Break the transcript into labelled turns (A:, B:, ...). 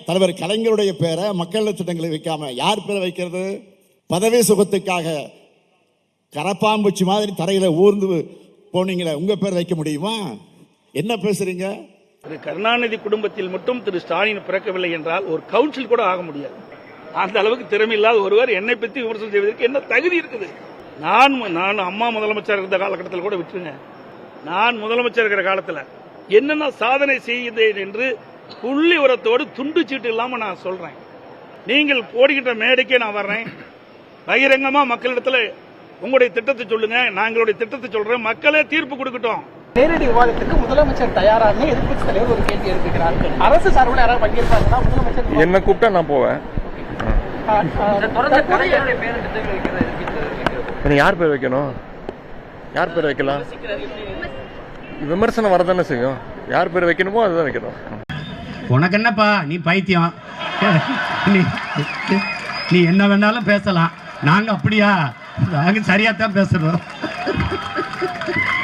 A: தலைவர் கலைஞருடைய பேரை மக்கள் திட்டங்களை வைக்காம யார் பேரை வைக்கிறது? பதவி சுகத்துக்காக கரப்பாம்பூச்சி மாதிரி தரையில ஊர்ந்து போனீங்களே, உங்க பேர் வைக்க முடியுமா? என்ன பேசுறீங்க?
B: திரு கருணாநிதி குடும்பத்தில் மட்டும் திரு ஸ்டாலின் பிறக்கவில்லை என்றால் ஒரு கவுன்சில் கூட ஆக முடியாது. அந்த அளவுக்கு திறமை இல்லாத ஒருவர் என்னை பற்றி விமர்சனம் செய்வதற்கு என்ன தகுதி இருக்குது? நான் அம்மா முதலமைச்சர் இருந்த காலகட்டத்தில் கூட விட்டுருங்க. நான் முதலமைச்சர் இருக்கிற காலத்தில் என்னென்ன சாதனை செய்தேன் என்று புள்ளி உரத்தோடு துண்டு சீட்டு இல்லாம நான் சொல்றேன். நீங்கள் போடுகின்ற மேடைக்கே நான் வர்றேன். பகிரங்கமா மக்களிடத்தில் உங்களுடைய திட்டத்தை சொல்லுங்க, நாங்களுடைய திட்டத்தை சொல்றேன், மக்களே தீர்ப்பு கொடுக்கட்டும்.
C: நேரடி விவாதத்துக்கு முதலமைச்சர் தயாராக எதிர்க்கட்சி தலைவர் ஒரு கேள்வி எழுப்புகிறார். அரசு சார்பில் யாராவது பங்கேற்பாங்கன்னா முதலமைச்சர்
D: என்ன கூப்பிட்டா நான் போவேன். யார் பேர் வைக்கணும்? யார் பேர் வைக்கலாம்? விமர்சனம் வரதானே செய்யும். யார் பேர் வைக்கணுமோ அதுதான் வைக்கணும்.
E: உனக்கு என்னப்பா, நீ பைத்தியம், நீ என்ன வேணாலும் பேசலாம். நாங்க அப்படியா? நாங்க சரியா தான் பேசுறோம்.